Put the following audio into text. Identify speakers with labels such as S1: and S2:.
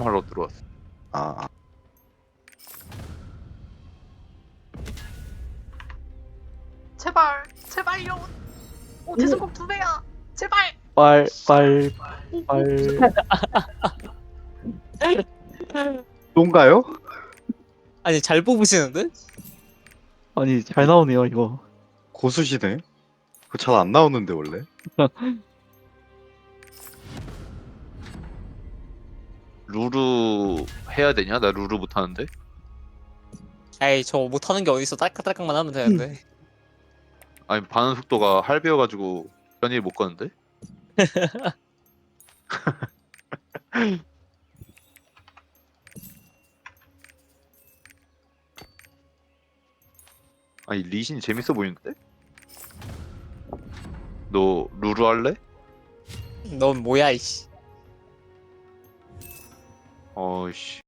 S1: 하러 들어왔어.
S2: 아,
S3: 제발 제발요. 오 대성공 2배야. 제발.
S4: 빨
S2: 똥가요?
S5: 아니 잘 뽑으시는데?
S4: 아니 잘 나오네요 이거.
S2: 고수시네. 그거 잘 안 나오는데 원래.
S1: 루루 해야 되냐? 나 루루 못하는데.
S5: 에이 저 못하는 게 어딨어. 딸깍딸깍만 하면 되는데.
S1: 아니 반응 속도가 할배여가지고 편히 못 가는데. 아니 리신 재밌어 보이는데? 너 루루 할래?
S5: 넌 뭐야 이씨.
S1: 어이씨.